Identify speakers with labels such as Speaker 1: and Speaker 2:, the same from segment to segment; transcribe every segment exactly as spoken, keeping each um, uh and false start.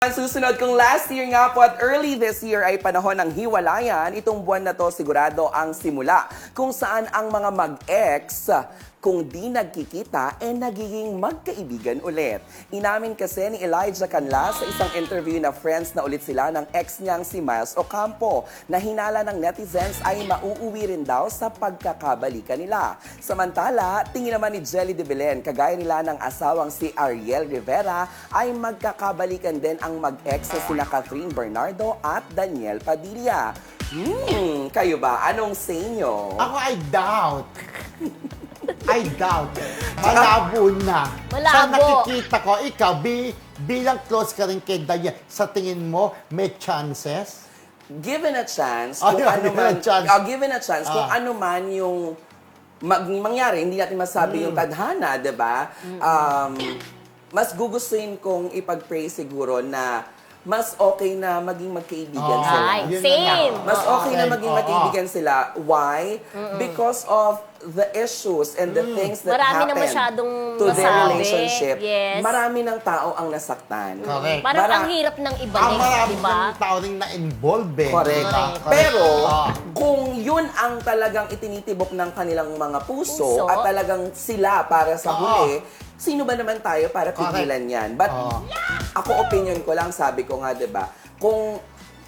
Speaker 1: Ang susunod kung last year nga po at early this year ay panahon ng hiwalayan, itong buwan na to sigurado ang simula kung saan ang mga mag-ex kung di nagkikita, eh nagiging magkaibigan ulit. Inamin kasi ni Elijah Canlas sa isang interview na friends na ulit sila ng ex niyang si Miles Ocampo na hinala ng netizens ay mauuwi rin daw sa pagkakabalikan nila. Samantala, tingin naman ni Jelly de Belen, kagaya nila ng asawang si Ariel Rivera, ay magkakabalikan din ang mag-ex na sina Catherine Bernardo at Daniel Padilla. Hmm, kayo ba? Anong say nyo?
Speaker 2: Ako, I doubt. I doubt. Malabo na.
Speaker 3: Malabo.
Speaker 2: Sa nakikita ko, ikaw, bi, bilang close ka rin kay Daya, sa tingin mo, may chances?
Speaker 1: Given a chance,
Speaker 2: Oh,
Speaker 1: kung
Speaker 2: yeah,
Speaker 1: ano
Speaker 2: given
Speaker 1: man,
Speaker 2: a chance.
Speaker 1: oh, given a chance, kung
Speaker 2: Ah.
Speaker 1: ano man yung mag, mangyari, hindi natin masabi
Speaker 2: Mm.
Speaker 1: yung tadhana, di ba? Um, mas gugustuhin kong ipag-pray siguro na mas okay na maging magkaibigan
Speaker 2: Oh,
Speaker 1: sila.
Speaker 3: Ay,
Speaker 2: yun na
Speaker 3: same.
Speaker 2: nga.
Speaker 1: Mas okay na
Speaker 2: Okay.
Speaker 1: maging
Speaker 2: Oo.
Speaker 1: magkaibigan sila. Why? Because of the issues and the things that
Speaker 3: Marami na
Speaker 1: happened
Speaker 3: masyadong
Speaker 1: to their
Speaker 3: masabi.
Speaker 1: relationship.
Speaker 3: Yes.
Speaker 1: Marami ng tao ang nasaktan.
Speaker 2: Correct.
Speaker 3: Parang
Speaker 1: Mara-
Speaker 3: ang hirap ng
Speaker 2: Ang
Speaker 3: ibalik,
Speaker 2: marami
Speaker 3: di ba?
Speaker 2: ng tao rin na-involve eh.
Speaker 1: Correct.
Speaker 2: Diba?
Speaker 3: Correct.
Speaker 1: Pero,
Speaker 2: Ah.
Speaker 1: kung yun ang talagang itinitibok ng kanilang mga puso,
Speaker 3: Puso.
Speaker 1: at talagang sila para sa
Speaker 2: Oo.
Speaker 1: huli, sino ba naman tayo para
Speaker 2: Correct.
Speaker 1: pigilan yan? But,
Speaker 2: Oo.
Speaker 1: ako opinion ko lang, sabi ko nga, di ba, kung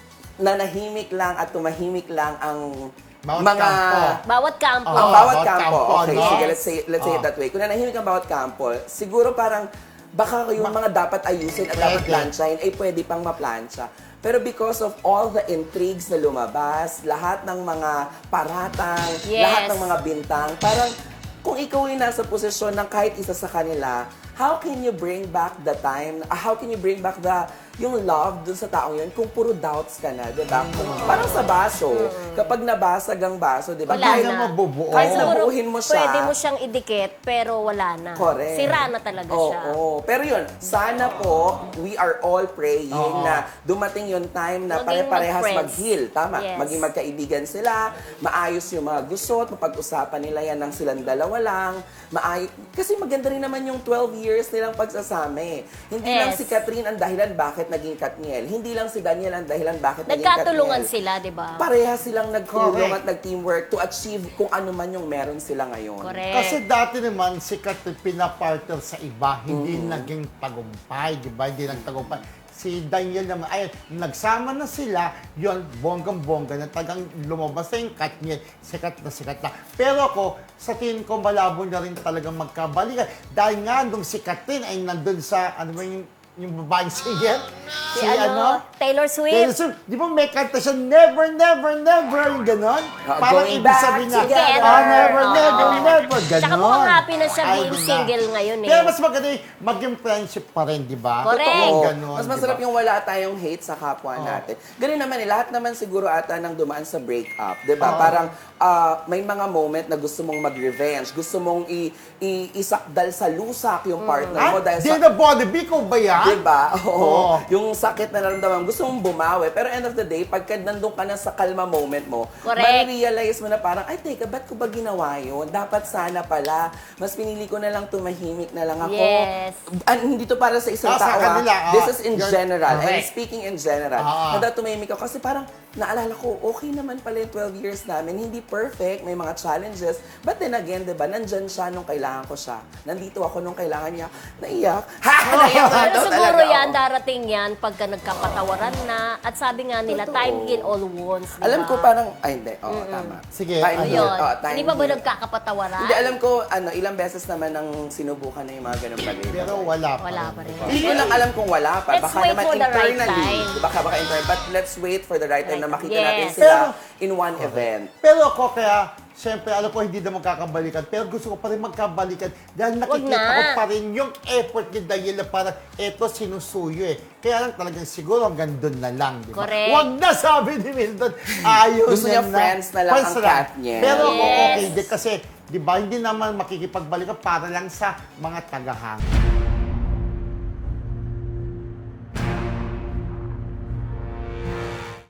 Speaker 1: nanahimik lang at tumahimik lang ang
Speaker 2: Bawat
Speaker 1: mga...
Speaker 2: kampo.
Speaker 3: Bawat kampo.
Speaker 1: Ang
Speaker 2: Oo,
Speaker 1: bawat
Speaker 2: bawat
Speaker 1: kampo.
Speaker 2: kampo,
Speaker 1: Okay,
Speaker 2: no?
Speaker 1: sige, let's say, let's say it
Speaker 2: Oo.
Speaker 1: that way. Kung nanahimik ang bawat kampo, siguro parang baka yung mga dapat ayusin at dapat
Speaker 2: Pwede.
Speaker 1: plansyahin ay pwede pang maplansya. Pero because of all the intrigues na lumabas, lahat ng mga paratang,
Speaker 3: Yes.
Speaker 1: lahat ng mga bintang, parang kung ikaw ay nasa posisyon ng kahit isa sa kanila, how can you bring back the time, uh, how can you bring back the yung love dun sa taong yun kung puro doubts ka na, di ba? Kung, parang sa baso, kapag nabasag ang baso, di ba?
Speaker 3: Wala
Speaker 1: Kahit,
Speaker 3: na.
Speaker 2: mabubuo.
Speaker 1: kahit
Speaker 3: Siguro,
Speaker 1: nabuuhin mo siya.
Speaker 3: pwede mo siyang idikit, pero wala na.
Speaker 1: Correct.
Speaker 3: Sira na talaga
Speaker 1: Oo,
Speaker 3: siya.
Speaker 1: oo. Pero yun, sana po, we are all praying
Speaker 2: Oo.
Speaker 1: na dumating yung time na
Speaker 3: Maging
Speaker 1: pare-parehas
Speaker 3: mag-friends.
Speaker 1: mag-heal. Tama.
Speaker 3: Yes.
Speaker 1: Maging magkaibigan sila, maayos yung mga gusot, mapag-usapan nila yan ng silang dalawa lang. Maayos. Kasi maganda rin naman yung twelve years nilang pagsasama eh. Hindi lang
Speaker 3: Yes.
Speaker 1: si Catherine ang dahilan bakit naging Katniel. Hindi lang si Daniel ang dahilan bakit naging Katniel.
Speaker 3: Nagkatulungan sila, di ba?
Speaker 1: Parehas silang nagtulong
Speaker 2: Correct.
Speaker 1: at nag-teamwork to achieve kung ano man yung meron sila ngayon.
Speaker 3: Correct.
Speaker 2: Kasi dati naman, sikat na pinapartner sa iba, hindi naging tagumpay, di ba? Hindi nagtagumpay. Si Daniel naman, ayun, nagsama na sila, yun, bonggang-bongga na tagang lumabas na yung Katniel, sikat na sikat na. Pero ako, sa tingin ko, malabo na rin talagang magkabalikan. Dahil nga, nung si Katniel ay nandun sa, ano ba yung, yung babaeng singer?
Speaker 3: Si, ano, Taylor Swift.
Speaker 2: Taylor Swift. Di ba may kanta siya, never, never, never, yung ganon?
Speaker 1: Ah,
Speaker 2: Parang
Speaker 1: going
Speaker 2: ibig
Speaker 1: back
Speaker 2: sabihin na,
Speaker 1: together.
Speaker 2: ah, never,
Speaker 3: Oo.
Speaker 2: never, never, ganon.
Speaker 3: Tsaka mukhang happy na siya
Speaker 2: Ay,
Speaker 3: being
Speaker 2: di ba?
Speaker 3: single ngayon eh.
Speaker 2: Kaya mas maganda yung maging friendship pa rin, di ba?
Speaker 3: Correct.
Speaker 2: Totoo,
Speaker 1: Oo.
Speaker 2: ganon,
Speaker 1: Mas
Speaker 2: di
Speaker 1: masarap
Speaker 2: ba?
Speaker 1: yung wala tayong hate sa kapwa natin. Ganun naman eh, lahat naman siguro ata nang dumaan sa breakup, 'di ba?
Speaker 2: Oo.
Speaker 1: Parang ah, may mga moment na gusto mong mag-revenge, gusto mong i, i isakdal sa lusak yung partner mo
Speaker 2: Ah,
Speaker 1: dahil
Speaker 2: di
Speaker 1: sa
Speaker 2: na Bonneby ko ba yan?
Speaker 1: 'di ba? Oo.
Speaker 2: Oo.
Speaker 1: Yung sakit na naramdaman, gusto mong bumawi. Pero end of the day, pagka nandun ka na sa kalma moment mo,
Speaker 3: Correct.
Speaker 1: marirealize mo na parang, ay teka, ba't ko ba ginawa yun? Dapat sana pala. Mas pinili ko na lang tumahimik na lang ako.
Speaker 3: Yes.
Speaker 1: Ah, hindi to para sa isang
Speaker 2: Ah, sa
Speaker 1: tao. ah.
Speaker 2: kanila, ah.
Speaker 1: This is in
Speaker 2: You're
Speaker 1: general. And
Speaker 2: correct.
Speaker 1: speaking in general.
Speaker 2: Ah.
Speaker 1: Na tumahimik ako. Kasi parang, naalala ko, okay naman pala yung twelve years namin. Hindi perfect. May mga challenges. But then again, di ba, nandyan siya nung kailangan ko siya. Nandito ako nung kailangan niya. Naiyak. Ha! Naiyak na
Speaker 3: Pero
Speaker 1: daw
Speaker 3: siguro
Speaker 1: talaga
Speaker 3: yan,
Speaker 1: ako.
Speaker 3: darating yan pagka nagkapatawaran na. At sabi nga nila,
Speaker 1: Totoo.
Speaker 3: time heal all wounds. di
Speaker 1: Alam
Speaker 3: ba?
Speaker 1: ko parang, ay hindi, oo, tama.
Speaker 2: Sige,
Speaker 1: Time
Speaker 2: ano
Speaker 1: heal.
Speaker 3: Ayun.
Speaker 1: Oo, time
Speaker 3: Hindi ba ba
Speaker 1: heal.
Speaker 3: nagkakapatawaran?
Speaker 1: Hindi, alam ko, ano, ilang beses naman nang sinubukan na yung mga ganun bagay.
Speaker 2: Pero wala pa.
Speaker 3: Wala pa rin.
Speaker 1: Hindi ko lang alam kung wala pa.
Speaker 3: Let's
Speaker 1: Baka
Speaker 3: wait
Speaker 1: naman
Speaker 3: for the right
Speaker 1: internally.
Speaker 3: time.
Speaker 1: Baka baka internally. But let's wait for the right time na makita
Speaker 3: Yes.
Speaker 1: natin sila
Speaker 2: Pero-
Speaker 1: in one event.
Speaker 2: Pero ako kaya, siyempre, alam ko hindi na magkakabalikan, pero gusto ko pa rin magkabalikan dahil nakikita
Speaker 3: na.
Speaker 2: ko pa rin yung effort ni Daniel na parang eto sinusuyo eh. Kaya lang talagang siguro hanggang doon na lang, di ba?
Speaker 3: Correct.
Speaker 2: Wag na, sabi ni Milton. Ayun
Speaker 1: Gusto niya friends na lang
Speaker 2: Friends
Speaker 1: ang cat niya.
Speaker 2: Pero ako
Speaker 3: Yes.
Speaker 2: okay din kasi, di ba, hindi naman makikipagbalikan para lang sa mga tagahanga.